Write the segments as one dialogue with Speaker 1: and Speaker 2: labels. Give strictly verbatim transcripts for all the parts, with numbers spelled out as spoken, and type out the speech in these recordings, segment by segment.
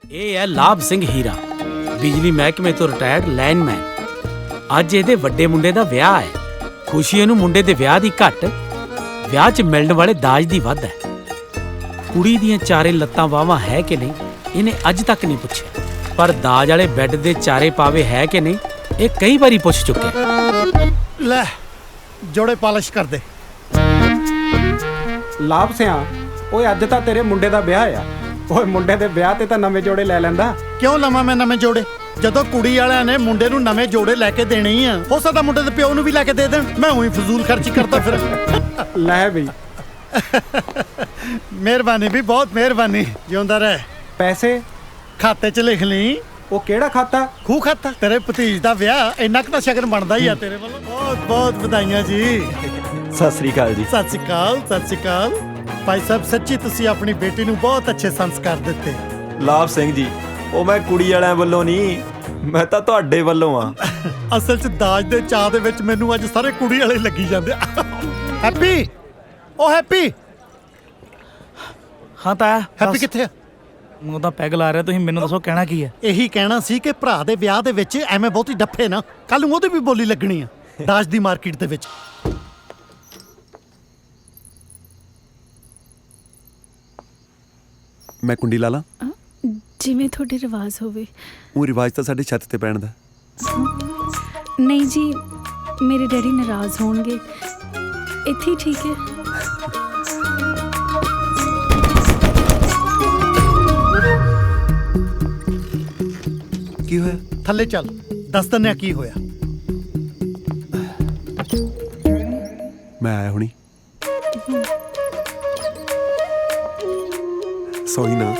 Speaker 1: ਇਹ ਹੈ ਲਾਭ ਸਿੰਘ ਹੀਰਾ, ਬਿਜਲੀ ਮਹਿਕਮੇ ਤੋਂ ਰਿਟਾਇਰਡ ਲਾਈਨਮੈਨ। ਅੱਜ ਇਹਦੇ ਵੱਡੇ ਮੁੰਡੇ ਦਾ ਵਿਆਹ ਹੈ। ਖੁਸ਼ੀ ਇਹਨੂੰ ਮੁੰਡੇ ਦੇ ਵਿਆਹ ਦੀ ਘੱਟ, ਵਿਆਹ 'ਚ ਮਿਲਣ ਵਾਲੇ ਦਾਜ ਦੀ ਵੱਧ ਹੈ। ਕੁੜੀ ਦੀਆਂ ਚਾਰੇ ਲੱਤਾਂ ਵਾਹਵਾਂ ਹੈ ਕਿ ਨਹੀਂ ਇਹਨੇ ਅੱਜ ਤੱਕ ਨਹੀਂ ਪੁੱਛਿਆ, ਪਰ ਦਾਜ ਵਾਲੇ ਬੈੱਡ ਦੇ ਚਾਰੇ ਪਾਵੇ ਹੈ ਕਿ ਨਹੀਂ ਇਹ ਕਈ ਵਾਰੀ ਪੁੱਛ ਚੁੱਕਿਆ।
Speaker 2: ਲੈ ਜੋੜੇ ਪਾਲਿਸ਼ ਕਰ ਦੇ।
Speaker 3: ਲਾਭ ਸਿਆਂ, ਓਏ ਅੱਜ ਤਾਂ ਤੇਰੇ ਮੁੰਡੇ ਦਾ ਵਿਆਹ ਆ। ਓਏ ਮੁੰਡੇ ਦੇ ਵਿਆਹ ਤੇ ਤਾਂ ਨਵੇਂ ਜੋੜੇ ਲੈ ਲੈਂਦਾ।
Speaker 2: ਕਿਉਂ ਲਵਾਂ ਮੈਂ ਨਵੇਂ ਜੋੜੇ, ਜਦੋਂ ਕੁੜੀ ਵਾਲਿਆਂ ਨੇ ਮੁੰਡੇ ਨੂੰ ਨਵੇਂ ਜੋੜੇ ਲੈ ਕੇ ਦੇਣੇ ਹੀ ਆ। ਹੋ ਸਕਦਾ ਮੁੰਡੇ ਦੇ ਪਿਓ ਨੂੰ ਵੀ ਲੈ ਕੇ ਦੇ ਦੇਣ, ਮੈਂ ਉਹੀ ਫਜ਼ੂਲ ਖਰਚੀ ਕਰਦਾ ਫਿਰ।
Speaker 3: ਲੈ ਬਈ,
Speaker 2: ਮਿਹਰਬਾਨੀ ਵੀ, ਬਹੁਤ ਮਿਹਰਬਾਨੀ। ਜਿਉਂਦਾ ਰਹਿ।
Speaker 3: ਪੈਸੇ
Speaker 2: ਖਾਤੇ 'ਚ ਲਿਖ ਲਈ।
Speaker 3: ਉਹ ਕਿਹੜਾ ਖਾਤਾ?
Speaker 2: ਖੂਹ ਖਾਤਾ। ਤੇਰੇ ਭਤੀਜ ਦਾ ਵਿਆਹ, ਇੰਨਾ ਕੁ ਤਾਂ ਸ਼ਗਨ ਬਣਦਾ ਹੀ ਆ ਤੇਰੇ ਵੱਲੋਂ। ਬਹੁਤ ਬਹੁਤ ਵਧਾਈਆਂ ਜੀ।
Speaker 4: ਸਤਿ ਸ੍ਰੀ ਅਕਾਲ ਜੀ।
Speaker 2: ਸਤਿ ਸ਼੍ਰੀ ਅਕਾਲ, ਸਤਿ ਸ਼੍ਰੀ ਅਕਾਲ। ਭਾਈ ਸਾਹਿਬ, ਸੱਚੀ ਤੁਸੀਂ ਆਪਣੀ ਬੇਟੀ ਨੂੰ ਬਹੁਤ ਅੱਛੇ ਸੰਸਕਾਰ ਦਿੱਤੇ।
Speaker 4: ਲਾਭ ਸਿੰਘ ਜੀ, ਉਹ ਮੈਂ ਕੁੜੀ ਵਾਲਿਆਂ ਵੱਲੋਂ ਨਹੀਂ, ਮੈਂ ਤਾਂ ਤੁਹਾਡੇ ਵੱਲੋਂ ਆ।
Speaker 2: ਅਸਲ 'ਚ ਦਾਜ ਦੇ ਚਾਹ ਦੇ ਵਿੱਚ ਮੈਨੂੰ ਅੱਜ ਸਾਰੇ ਕੁੜੀ ਵਾਲੇ ਲੱਗੀ ਜਾਂਦੇ। ਹੈਪੀ, ਉਹ ਹੈਪੀ।
Speaker 5: ਹਾਂ ਤਾਇਆ।
Speaker 2: ਹੈਪੀ ਕਿੱਥੇ ਆ?
Speaker 5: ਉਹ ਤਾਂ ਪੈਗ ਲਾ ਰਿਹਾ। ਤੁਸੀਂ ਮੈਨੂੰ ਦੱਸੋ ਕਹਿਣਾ ਕੀ ਹੈ?
Speaker 2: ਇਹੀ ਕਹਿਣਾ ਸੀ ਕਿ ਭਰਾ ਦੇ ਵਿਆਹ ਦੇ ਵਿੱਚ ਐਵੇਂ ਬਹੁਤੀ ਡੱਫੇ ਨਾ, ਕੱਲ ਨੂੰ ਉਹਦੀ ਵੀ ਬੋਲੀ ਲੱਗਣੀ ਆ ਦਾਜ ਦੀ ਮਾਰਕੀਟ ਦੇ ਵਿੱਚ।
Speaker 6: ਮੈਂ ਕੁੰਡੀ ਲਾ ਲਾਂ?
Speaker 7: ਜਿਵੇਂ ਤੁਹਾਡੇ ਰਿਵਾਜ਼ ਹੋਵੇ।
Speaker 6: ਉਹ ਰਿਵਾਜ ਤਾਂ ਸਾਡੇ ਛੱਤ ਤੇ ਪੈਣ ਦਾ।
Speaker 7: ਨਹੀਂ ਜੀ, ਮੇਰੇ ਡੈਡੀ ਨਾਰਾਜ਼ ਹੋਣਗੇ। ਇੱਥੇ ਹੀ ਠੀਕ ਹੈ।
Speaker 6: ਕੀ ਹੋਇਆ?
Speaker 2: ਥੱਲੇ ਚੱਲ, ਦੱਸ ਦਿੰਦੇ ਆ ਕੀ ਹੋਇਆ।
Speaker 6: ਮੈਂ ਆਇਆ ਹੁਣੀ। ਸੋਈ ਨਾ।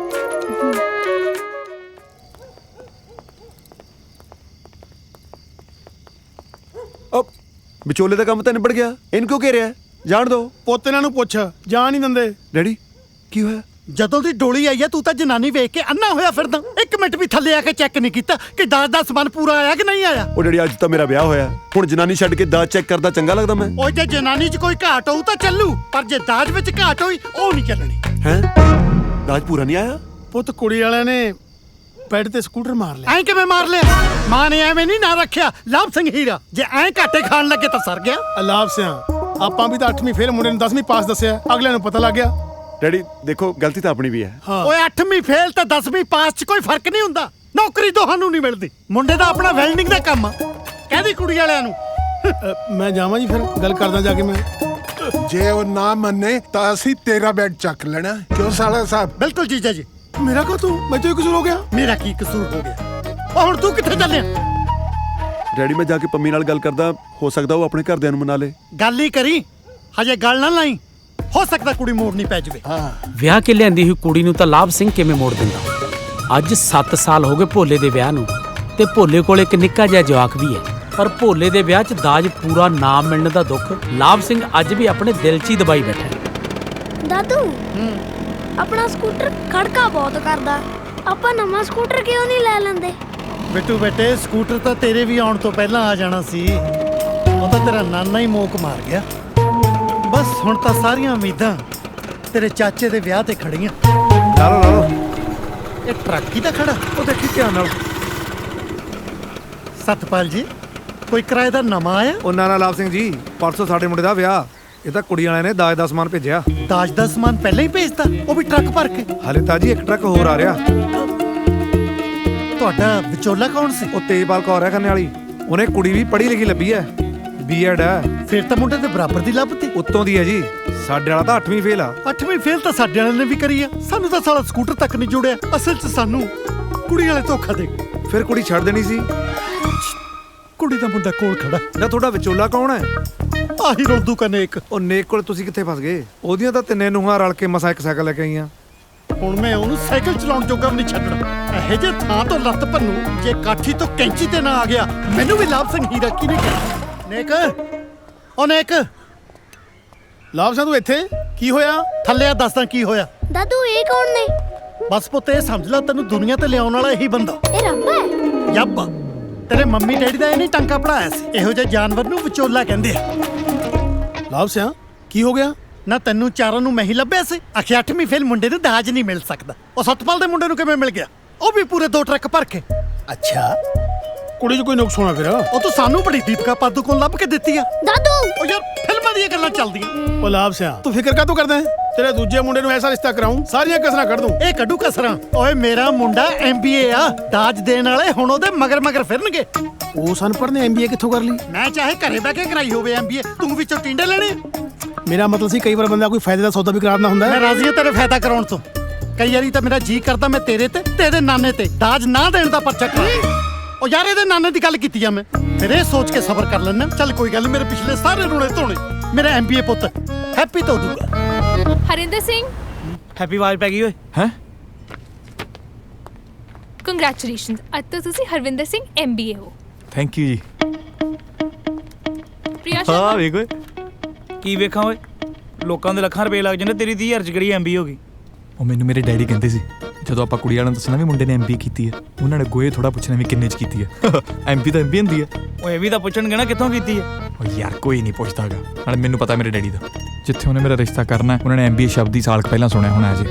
Speaker 6: ਅਬ ਵਿਚੋਲੇ ਦਾ ਕੰਮ ਤਾਂ ਨਿਬੜ ਗਿਆ, ਇਹਨੂੰ ਕਿਉਂ ਘੇਰਿਆ? ਜਾਣ ਦੋ।
Speaker 2: ਪੁੱਤ ਇਹਨਾਂ ਨੂੰ ਪੁੱਛ, ਜਾਣ ਨਹੀਂ ਦਿੰਦੇ।
Speaker 6: ਡੈਡੀ ਕੀ ਹੋਇਆ?
Speaker 2: ਜਦੋਂ ਦੀ ਡੋਲੀ ਆਈ ਹੈ ਤੂੰ ਤਾਂ ਜਨਾਨੀ ਵੇਖ ਕੇ ਅੰਨਾ ਹੋਇਆ ਫਿਰਦਾ। ਇੱਕ ਮਿੰਟ ਵੀ ਥੱਲੇ ਆ ਕੇ ਚੈੱਕ ਨਹੀਂ ਕੀਤਾ ਕਿ ਦਾਜ ਦਾ ਸਮਾਨ ਪੂਰਾ ਆਇਆ ਕਿ ਨਹੀਂ ਆਇਆ।
Speaker 6: ਉਹ ਡੈਡੀ ਅੱਜ ਤਾਂ ਮੇਰਾ ਵਿਆਹ ਹੋਇਆ, ਹੁਣ ਜਨਾਨੀ ਛੱਡ ਕੇ ਦਾਜ ਚੈੱਕ ਕਰਦਾ ਚੰਗਾ ਲੱਗਦਾ ਮੈਂ?
Speaker 2: ਉਹ ਜੇ ਜਨਾਨੀ 'ਚ ਕੋਈ ਘਾਟ ਹੋਊ ਤਾਂ ਚੱਲੂ, ਪਰ ਜੇ ਦਾਜ ਵਿੱਚ ਘਾਟ ਹੋਈ ਉਹ ਨਹੀਂ ਚੱਲਣੀ।
Speaker 6: ਹੈਂ? ਦਾਜ ਪੂਰਾ ਨਹੀਂ ਆਇਆ?
Speaker 2: ਪੁੱਤ ਕੁੜੀ ਵਾਲਿਆਂ ਨੇ ਬੈੱਡ ਤੇ ਸਕੂਟਰ ਮਾਰ ਲਿਆ। ਐਂ ਕਿਵੇਂ ਮਾਰ ਲਿਆ? ਮਾਂ ਨੇ ਐਵੇਂ ਨਹੀਂ ਨਾ ਰੱਖਿਆ ਲਾਭ ਸਿੰਘ ਹੀਰਾ। ਜੇ ਐਂ ਘਾਟੇ ਖਾਣ ਲੱਗੇ ਤਾਂ ਸਰ ਗਿਆ।
Speaker 8: ਲਾਭ ਸਿਆਂ, ਆਪਾਂ ਵੀ ਤਾਂ ਅੱਠਵੀਂ ਫੇਲ ਮੁੰਡੇ ਨੂੰ ਦਸਵੀਂ ਪਾਸ ਦੱਸਿਆ, ਅਗਲੇ ਨੂੰ ਪਤਾ ਲੱਗ ਗਿਆ।
Speaker 6: ਡੈਡੀ ਦੇਖੋ, ਗਲਤੀ ਤਾਂ ਆਪਣੀ ਵੀ ਹੈ।
Speaker 2: ਓਏ ਅੱਠਵੀਂ ਫੇਲ ਤੇ ਦਸਵੀਂ ਪਾਸ 'ਚ ਕੋਈ ਫਰਕ ਨਹੀਂ ਹੁੰਦਾ। ਨੌਕਰੀ ਦੋਹਾਂ ਨੂੰ ਨਹੀਂ ਮਿਲਦੀ। ਮੁੰਡੇ ਦਾ ਆਪਣਾ ਵੈਲਡਿੰਗ ਦਾ ਕੰਮ ਆ। ਕਹਿੰਦੀ ਕੁੜੀ ਵਾਲਿਆਂ ਨੂੰ।
Speaker 8: ਮੈਂ ਜਾਵਾਂ ਜੀ, ਫਿਰ ਗੱਲ ਕਰਦਾ ਜਾ ਕੇ ਮੈਂ।
Speaker 9: ਜੇ ਉਹ ਨਾ ਮੰਨੇ ਤਾਂ ਅਸੀਂ ਤੇਰਾ ਬੈਡ ਚੱਕ ਲੈਣਾ। ਕਿਉਂ ਸਾਲਾ ਸਾਹਿਬ?
Speaker 2: ਬਿਲਕੁਲ ਜੀਜਾ ਜੀ।
Speaker 8: ਮੇਰਾ ਕਾ ਤੂੰ ਮੈਂ ਤੋਂ ਕਸੂਰ ਹੋ ਗਿਆ?
Speaker 2: ਮੇਰਾ ਕੀ ਕਸੂਰ ਹੋ ਗਿਆ? ਉਹ ਹੁਣ ਤੂੰ ਕਿੱਥੇ ਚੱਲਿਆ?
Speaker 6: ਡੈਡੀ ਮੈਂ ਜਾ ਕੇ ਪੰਮੀ ਨਾਲ ਗੱਲ ਕਰਦਾ, ਹੋ ਸਕਦਾ ਉਹ ਆਪਣੇ ਘਰਦਿਆਂ ਨੂੰ ਮਨਾ ਲੇ।
Speaker 2: ਗੱਲ ਹੀ ਕਰੀ, ਹਜੇ ਗੱਲ ਨਾ ਲਾਈ। ਹੋ ਸਕਦਾ ਕੁੜੀ ਮੋੜਨੀ ਪੈ ਜਾਵੇ।
Speaker 1: ਵਿਆਹ ਕੇ ਲਿਆਂਦੀ ਹੋਈ ਕੁੜੀ ਨੂੰ ਤਾਂ ਲਾਭ ਸਿੰਘ ਕਿਵੇਂ ਮੋੜ ਦਿੰਦਾ? ਅੱਜ ਸੱਤ ਸਾਲ ਹੋ ਗਏ ਭੋਲੇ ਦੇ ਵਿਆਹ ਨੂੰ, ਤੇ ਭੋਲੇ ਕੋਲ ਇੱਕ ਨਿੱਕਾ ਜਿਹਾ ਜਵਾਕ ਵੀ ਹੈ, ਪਰ ਭੋਲੇ ਦੇ ਵਿਆਹ 'ਚ ਦਾਜ ਪੂਰਾ ਨਾ ਮਿਲਣ ਦਾ ਦੁੱਖ ਲਾਭ ਸਿੰਘ ਅੱਜ ਵੀ ਆਪਣੇ ਦਿਲ 'ਚ ਹੀ ਦਬਾਈ ਬੈਠਾ।
Speaker 10: ਦਾਦੂ, ਆਪਣਾ ਸਕੂਟਰ ਖੜਕਾ ਬਹੁਤ ਕਰਦਾ। ਆਪਾਂ ਨਵਾਂ ਸਕੂਟਰ ਕਿਉਂ ਨਹੀਂ ਲੈ ਲੈਂਦੇ?
Speaker 2: ਬਿੱਟੂ ਬੇਟੇ, ਸਕੂਟਰ ਤਾਂ ਤੇਰੇ ਵੀ ਆਉਣ ਤੋਂ ਪਹਿਲਾਂ ਆ ਜਾਣਾ ਸੀ। ਉਹ ਤਾਂ ਤੇਰਾ ਨਾਨਾ ਹੀ ਮੋਕ ਮਾਰ ਗਿਆ। ਬਸ ਹੁਣ ਤਾਂ ਸਾਰੀਆਂ ਉਮੀਦਾਂ ਤੇਰੇ ਚਾਚੇ ਦੇ ਵਿਆਹ ਤੇ ਖੜੀਆਂ।
Speaker 3: ਲਾ ਲਓ ਲਾ ਲਓ।
Speaker 2: ਇਹ ਟਰੱਕ ਹੀ ਤਾਂ ਖੜਾ।
Speaker 3: ਉਹ ਦੇਖੀ ਧਿਆਨ ਨਾਲ।
Speaker 2: ਸਤਪਾਲ ਜੀ, ਕੋਈ ਕਿਰਾਏਦਾਰ ਨਵਾਂ ਆਇਆ?
Speaker 11: ਉਹਨਾਂ ਨਾਲ ਲਾਭ ਸਿੰਘ ਜੀ, ਪਰਸੋਂ ਸਾਡੇ ਮੁੰਡੇ ਦਾ ਵਿਆਹ। ਇਹ ਤਾਂ ਕੁੜੀ ਵਾਲਿਆਂ ਨੇ ਦਾਜ ਦਾ ਸਮਾਨ ਭੇਜਿਆ।
Speaker 2: ਦਾਜ ਦਾ ਸਮਾਨ ਪਹਿਲਾਂ ਹੀ ਭੇਜਤਾ, ਉਹ ਵੀ ਟਰੱਕ ਭਰ ਕੇ?
Speaker 11: ਹਾਲੇ ਤਾਂ ਜੀ ਇੱਕ ਟਰੱਕ ਹੋਰ ਆ ਰਿਹਾ।
Speaker 2: ਤੁਹਾਡਾ ਵਿਚੋਲਾ ਕੌਣ ਸੀ?
Speaker 11: ਉਹ ਤੇਜਪਾਲ ਕੌਰ ਹੈ ਖੰਨੇ ਵਾਲੀ। ਉਹਨੇ ਕੁੜੀ ਵੀ ਪੜ੍ਹੀ ਲਿਖੀ ਲੱਭੀ ਹੈ, ਬੀ ਐਡ ਹੈ।
Speaker 2: ਫਿਰ ਤਾਂ ਮੁੰਡੇ ਦੇ ਬਰਾਬਰ ਦੀ ਲੱਭਤੀ।
Speaker 11: ਉੱਤੋਂ ਦੀ ਹੈ ਜੀ। ਸਾਡੇ ਵਾਲਾ ਤਾਂ ਅੱਠਵੀਂ ਫੇਲ ਆ।
Speaker 2: ਅੱਠਵੀਂ ਫੇਲ ਤਾਂ ਸਾਡੇ ਵਾਲਿਆਂ ਨੇ ਵੀ ਕਰੀ ਆ। ਸਾਨੂੰ ਤਾਂ ਸਾਲਾ ਸਕੂਟਰ ਤੱਕ ਨਹੀਂ ਜੁੜਿਆ। ਅਸਲ 'ਚ ਸਾਨੂੰ ਕੁੜੀ ਵਾਲੇ ਧੋਖਾ ਦੇ ਗਏ।
Speaker 11: ਫਿਰ ਕੁੜੀ ਛੱਡ ਦੇਣੀ ਸੀ।
Speaker 2: ਕੁੜੀ ਦਾ ਮੁੰਡਾ ਕੋਲ ਖੜਾ।
Speaker 11: ਨਾ ਤੁਹਾਡਾ ਵਿਚੋਲਾ ਕੌਣ ਹੈ?
Speaker 2: ਆਹੀ ਰੋਲਦੂ ਕਨੇ ਇੱਕ।
Speaker 11: ਉਹ ਨੇਕ ਕੋਲ ਤੁਸੀਂ ਕਿੱਥੇ ਫਸ ਗਏ? ਉਹਦੀਆਂ ਤਾਂ ਤਿੰਨੇ ਨੂੰਹਾਂ ਰਲ ਕੇ ਮਸਾ ਇੱਕ ਸਾਈਕਲ ਲੈ ਕੇ ਆਈਆਂ।
Speaker 2: ਹੁਣ ਮੈਂ ਉਹਨੂੰ ਸਾਈਕਲ ਚਲਾਉਣ ਜੋਗਾ ਵੀ ਨਹੀਂ ਛੱਡਣਾ। ਇਹੋ ਜਿਹੇ ਥਾਂ ਤੋਂ ਲੱਤ ਭੰਨੂ, ਜੇ ਕਾਠੀ ਤੋਂ ਕੈਂਚੀ ਤੇ ਨਾ ਆ ਗਿਆ। ਮੈਨੂੰ ਵੀ ਲਾਭ ਸਿੰਘ ਹੀਰਾ ਕੀ ਨਹੀਂ ਕਿਹਾ। ਨੇਕ, ਉਹ ਨੇਕ।
Speaker 8: ਲਾਭ ਸਿਆਂ, ਤੂੰ ਇੱਥੇ ਕੀ ਹੋਇਆ?
Speaker 2: ਥੱਲੇ ਆ, ਦੱਸਦਾ ਕੀ ਹੋਇਆ।
Speaker 10: ਦਾਦੂ, ਇਹ ਕੌਣ ਨੇ?
Speaker 2: ਬਸ ਪੁੱਤ, ਇਹ ਸਮਝ ਲੈ ਤੈਨੂੰ ਦੁਨੀਆ ਤੇ ਲਿਆਉਣ ਵਾਲਾ ਇਹੀ ਬੰਦਾ।
Speaker 10: ਇਹ ਰੱਬ ਹੈ?
Speaker 2: ਯੱਬ, ਤੇਰੇ ਮੰਮੀ ਡੈਡੀ ਦਾ ਇਹ ਨਹੀਂ ਟਾਂਕਾ ਪੜਾਇਆ ਸੀ। ਇਹੋ ਜਿਹੇ ਜਾਨਵਰ ਨੂੰ ਵਿਚੋਲਾ ਕਹਿੰਦੇ ਆ।
Speaker 8: ਲਾਭ ਸਿਆਂ, ਕੀ ਹੋ ਗਿਆ?
Speaker 2: ਨਾ ਤੈਨੂੰ ਚਾਰਾਂ ਨੂੰ ਮੈਂ ਹੀ ਲੱਭਿਆ ਸੀ ਆਖਿਆ ਅੱਠਵੀਂ ਫੇਲ ਮੁੰਡੇ ਨੂੰ ਦਾਜ ਨਹੀਂ ਮਿਲ ਸਕਦਾ। ਉਹ ਸਤਪਾਲ ਦੇ ਮੁੰਡੇ ਨੂੰ ਕਿਵੇਂ ਮਿਲ ਗਿਆ? ਉਹ ਵੀ ਪੂਰੇ ਦੋ ਟਰੱਕ ਭਰ ਕੇ। ਅੱਛਾ
Speaker 8: ਕੁੜੀ 'ਚ ਕੋਈ ਨੁਕਸ ਹੋਣਾ ਫਿਰ।
Speaker 2: ਉਹ ਤੂੰ ਸਾਨੂੰ ਬੜੀ ਦੀਪਕਾ ਪਾਦੂਕੋਨ ਲੱਭ ਕੇ ਦਿੱਤੀ ਆ।
Speaker 10: ਦਾਦੂ
Speaker 2: ਉਹ ਯਾਰ ਫਿਲਮਾਂ ਦੀਆਂ ਗੱਲਾਂ ਚੱਲਦੀਆਂ।
Speaker 8: ਉਹ ਲਾਭ ਸਿਆ ਤੂੰ ਫਿਕਰ ਕਾਹਤੋਂ ਕਰਦਾ ਹੈ? ਤੇਰੇ ਦੂਜੇ ਮੁੰਡੇ ਨੂੰ ਐਸਾ ਰਿਸ਼ਤਾ ਕਰਾਉਂ ਸਾਰੀਆਂ ਕਸਰਾਂ ਕੱਢ ਦੂੰ।
Speaker 2: ਇਹ ਕੱਢੂ ਕਸਰਾਂ? ਓਏ ਮੇਰਾ ਮੁੰਡਾ ਐਮ ਬੀ ਏ ਆ। ਦਾਜ ਦੇਣ ਵਾਲੇ ਹੁਣ ਉਹਦੇ ਮਗਰ ਮਗਰ ਫਿਰਨਗੇ।
Speaker 8: ਉਹ ਸਨਪੜ ਨੇ ਐਮ ਬੀ ਏ ਕਿੱਥੋਂ ਕਰ ਲਈ?
Speaker 2: ਮੈਂ ਚਾਹੇ ਘਰੇ ਬਹਿ ਕੇ ਕਰਾਈ ਹੋਵੇ ਐਮ ਬੀ ਏ, ਤੂੰ ਵਿੱਚੋਂ ਟਿੰਡੇ ਲੈਣੇ?
Speaker 8: ਮੇਰਾ ਮਤਲਬ ਸੀ ਕਈ ਵਾਰ ਬੰਦਾ ਕੋਈ ਫਾਇਦੇ ਦਾ ਸੌਦਾ ਵੀ ਕਰਾਉਣਾ ਹੁੰਦਾ
Speaker 2: ਮੈਂ
Speaker 8: ਹੈ।
Speaker 2: ਰਾਜ਼ੀ ਹਾਂ ਤੇਰੇ ਫਾਇਦਾ ਕਰਾਉਣ ਤੋਂ। ਕਈ ਵਾਰੀ ਤਾਂ ਮੇਰਾ ਜੀ ਕਰਦਾ ਮੈਂ ਤੇਰੇ ਤੇ ਤੇਰੇ ਨਾਨੇ ਤੇ ਦਾਜ ਨਾ ਦੇਣ ਦਾ ਪਰਚਾ ਕਰਾਂ। ਉਹ ਯਾਰ ਇਹਦੇ ਨਾਨੇ ਦੀ ਗੱਲ ਕੀਤੀ ਆ ਮੈਂ। ਫਿਰ ਇਹ ਸੋਚ ਕੇ ਸਬਰ ਕਰ ਲੈਣਾ। ਚੱਲ ਕੋਈ ਗੱਲ ਨੀ, ਮੇਰੇ ਪਿਛਲੇ ਸਾਰੇ ਰੋਣੇ ਧੋਣੇ ਮੇਰਾ ਐਮ ਬੀ ਏ ਪੁੱਤ ਹੈਪੀ ਧੋ ਦੂਗਾ।
Speaker 12: ਹਰਿੰਦਰ ਸਿੰਘ
Speaker 5: ਹੈਪੀ ਆਵਾਜ਼ ਪੈ ਗਈ ਓਏ।
Speaker 4: ਹੈ
Speaker 12: ਕੰਗ੍ਰੈਚੁਲੇਸ਼ਨਸ, ਅੱਜ ਤੋਂ ਤੁਸੀਂ Harvinder Singh M B A ਹੋ।
Speaker 4: ਥੈਂਕ ਯੂ ਜੀ।
Speaker 12: ਪ੍ਰਿਆ
Speaker 4: ਹਾਂ
Speaker 12: ਸ਼ਰਮਾ
Speaker 4: ਵੇਖ ਓਏ,
Speaker 5: ਕੀ ਵੇਖਾਂ ਓਏ, ਲੋਕਾਂ ਦੇ ਲੱਖਾਂ ਰੁਪਏ ਲੱਗ ਜਾਂਦੇ, ਤੇਰੀ ਤੀਹ ਹਜ਼ਾਰ ਚ ਕਿਹੜੀ ਐਮ ਬੀ ਹੋ ਗਈ?
Speaker 4: ਉਹ ਮੈਨੂੰ ਮੇਰੇ ਡੈਡੀ ਕਹਿੰਦੇ ਸੀ ਜਦੋਂ ਆਪਾਂ ਕੁੜੀ ਵਾਲਿਆਂ ਨੂੰ ਦੱਸਣਾ ਵੀ ਮੁੰਡੇ ਨੇ ਐਮਬੀ ਕੀਤੀ ਹੈ, ਉਹਨਾਂ ਨੇ ਗੋਏ ਥੋੜਾ ਪੁੱਛਣਾ ਵੀ ਕਿੰਨੇ ਚ ਕੀਤੀ ਹੈ। ਐਮਬੀ ਤਾਂ ਐਮਬੀ ਹੁੰਦੀ ਹੈ।
Speaker 5: ਉਹ ਇਹ ਵੀ ਤਾਂ ਪੁੱਛਣਗੇ ਨਾ ਕਿੱਥੋਂ ਕੀਤੀ ਹੈ।
Speaker 4: ਉਹ ਯਾਰ ਕੋਈ ਨਹੀਂ ਪੁੱਛਦਾਗਾ, ਨਾਲੇ ਮੈਨੂੰ ਪਤਾ ਮੇਰੇ ਡੈਡੀ ਦਾ, ਜਿੱਥੇ ਉਹਨੇ ਮੇਰਾ ਰਿਸ਼ਤਾ ਕਰਨਾ ਉਹਨਾਂ ਨੇ ਐਮਬੀਏ ਸ਼ਬਦ ਹੀ ਸਾਲ ਕੁ ਪਹਿਲਾਂ ਸੁਣਿਆ ਹੋਣਾ ਅਜੇ।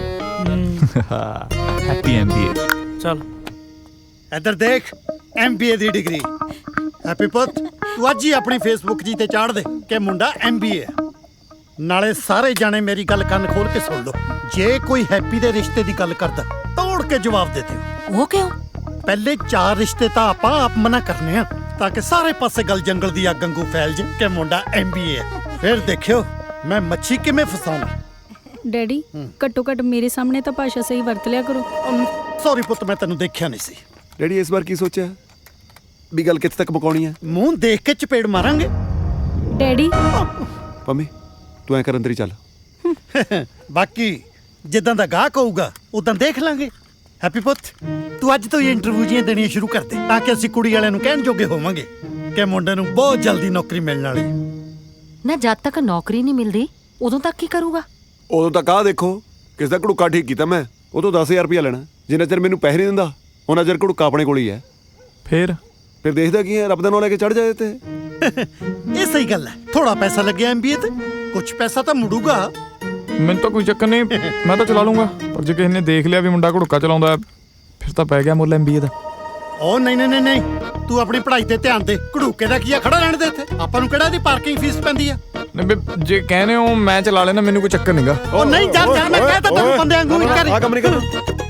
Speaker 4: Happy MBA.
Speaker 5: ਚੱਲ
Speaker 2: ਇੱਧਰ ਦੇਖ, ਐਮ ਬੀ ਏ ਦੀ ਡਿਗਰੀ। ਹੈਪੀ ਪੁੱਤ ਤੂੰ ਅੱਜ ਹੀ ਆਪਣੀ ਫੇਸਬੁੱਕ ਜੀ ਤੇ ਚਾੜ ਦੇ ਕਿ ਮੁੰਡਾ ਐਮ ਬੀ ਏ। ਨਾਲੇ ਸਾਰੇ ਜਾਣੇ ਮੇਰੀ ਗੱਲ ਕੰਨ ਖੋਲ ਕੇ ਸੁਣ ਲਓ, ਜੇ ਕੋਈ ਹੈਪੀ ਦੇ ਰਿਸ਼ਤੇ ਦੀ ਗੱਲ ਕਰਦਾ ਤੋੜ ਕੇ ਜਵਾਬ ਦੇ ਦਿਓ।
Speaker 12: ਉਹ ਕਿਉਂ?
Speaker 2: ਪਹਿਲੇ ਚਾਰ ਰਿਸ਼ਤੇ ਤਾਂ ਆਪਾਂ ਆਪ ਮਨਾ ਕਰਨੇ ਆ ਤਾਂ ਕਿ ਸਾਰੇ ਪਾਸੇ ਗੱਲ ਜੰਗਲ ਦੀ ਅੱਗ ਵਾਂਗੂ ਫੈਲ ਜੇ ਕਿ ਮੁੰਡਾ ਐਮ ਬੀ ਏ ਹੈ। ਫਿਰ ਦੇਖਿਓ ਮੈਂ ਮੱਛੀ ਕਿਵੇਂ ਫਸਾਉਣਾ।
Speaker 7: ਡੈਡੀ ਘੱਟੋ ਘੱਟ ਮੇਰੇ ਸਾਹਮਣੇ ਤਾਂ ਭਾਸ਼ਾ ਸਹੀ ਵਰਤ ਲਿਆ ਕਰੋ।
Speaker 2: ਸੌਰੀ ਪੁੱਤ, ਮੈਂ ਤੈਨੂੰ ਦੇਖਿਆ ਨਹੀਂ ਸੀ।
Speaker 6: ਡੈਡੀ ਇਸ ਵਾਰ ਕੀ ਸੋਚਿਆ ਵੀ ਗੱਲ ਕਿੱਥੇ ਤੱਕ ਮੁਕਾਉਣੀ ਹੈ?
Speaker 2: ਮੂੰਹ ਦੇਖ ਕੇ ਚਪੇੜ ਮਾਰਾਂਗੇ।
Speaker 7: ਡੈਡੀ
Speaker 6: ਪੰਮੀ ਤੂੰ ਐਂ ਕਰ ਅੰਦਰ ਹੀ ਚੱਲ।
Speaker 2: ਬਾਕੀ ਜਿੱਦਾਂ ਦਾ ਗਾਹਕ ਹੋਊਗਾ ਉਦਾਂ ਦੇਖ ਲਾਂਗੇ। ਹੈਪੀ ਪੁੱਤ ਤੂੰ ਅੱਜ ਤੋਂ ਹੀ ਇੰਟਰਵਿਊ ਜੀਆਂ ਦੇਣੀਆਂ ਸ਼ੁਰੂ ਕਰ ਦੇ ਤਾਂ ਕਿ ਅਸੀਂ ਕੁੜੀ ਵਾਲਿਆਂ ਨੂੰ ਕਹਿਣ ਜੋਗੇ ਹੋਵਾਂਗੇ ਕਿ ਮੁੰਡੇ ਨੂੰ ਬਹੁਤ ਜਲਦੀ ਨੌਕਰੀ ਮਿਲਣ ਵਾਲੀ ਹੈ।
Speaker 12: ਨਾ ਜਦ ਤੱਕ ਨੌਕਰੀ ਨਹੀਂ ਮਿਲਦੀ ਉਦੋਂ ਤੱਕ ਕੀ ਕਰੂਗਾ?
Speaker 6: ਉਦੋਂ ਤੱਕ ਆਹ ਦੇਖੋ ਕਿਸ ਦਾ ਘੜੂਕਾ ਠੀਕ ਕੀਤਾ ਮੈਂ, ਉਹ ਤੋਂ ਦਸ ਹਜ਼ਾਰ ਰੁਪਇਆ ਲੈਣਾ। ਜਿੰਨਾ ਚਿਰ ਮੈਨੂੰ ਪੈਸੇ ਨਹੀਂ ਦਿੰਦਾ ਉਹਨਾਂ ਚਿਰ ਘੜੂਕਾ ਆਪਣੇ ਕੋਲ ਹੀ ਹੈ।
Speaker 4: ਫਿਰ
Speaker 6: ਫਿਰ ਦੇਖਦਾ ਕੀ ਹੈ, ਰੱਬ ਦਾ ਨਾਂ ਲੈ ਕੇ ਚੜ ਜਾਏ ਤੇ।
Speaker 2: ਇਹ ਸਹੀ ਗੱਲ ਹੈ, ਥੋੜਾ ਪੈਸਾ ਲੱਗਿਆ ਐਮ ਬੀ ਏ ਤੇ ਕੁਝ ਪੈਸਾ ਤਾਂ ਮੁੜੂਗਾ।
Speaker 4: ਮੈਨੂੰ ਤਾਂ ਕੋਈ ਚੱਕਰ ਨਹੀਂ, ਮੈਂ ਤਾਂ ਚਲਾ ਲੂੰਗਾ, ਪਰ ਜੇ ਕਿਸੇ ਨੇ ਦੇਖ ਲਿਆ ਵੀ ਮੁੰਡਾ ਘੜੂਕਾ ਚਲਾਉਂਦਾ ਫਿਰ ਤਾਂ ਪੈ ਗਿਆ ਮੁੱਲ ਐਮਬੀਏ ਦਾ।
Speaker 2: ਉਹ ਨਹੀਂ ਨਹੀਂ ਨਹੀਂ, ਤੂੰ ਆਪਣੀ ਪੜ੍ਹਾਈ ਤੇ ਧਿਆਨ ਦੇ। ਘੜੂਕੇ ਦਾ ਕੀ ਆ, ਖੜਾ ਰਹਿਣ ਦੇ ਇੱਥੇ। ਆਪਾਂ ਨੂੰ ਕਿਹੜਾ ਦੀ ਪਾਰਕਿੰਗ ਫੀਸ ਪੈਂਦੀ ਆ?
Speaker 4: ਜੇ ਕਹਿੰਦੇ ਹੋ ਮੈਂ ਚਲਾ ਲੈਣਾ, ਮੈਨੂੰ ਕੋਈ ਚੱਕਰ ਨਹੀਂਗਾ।
Speaker 2: ਉਹ ਨਹੀਂ, ਚੱਲ ਚੱਲ, ਮੈਂ ਕਹਿ ਤਾ ਤੈਨੂੰ ਬੰਦੇ ਵਾਂਗੂ ਇੱਕ ਵਾਰੀ।
Speaker 6: ਆ ਕੰਮ ਨਹੀਂ ਕਰਨਾ।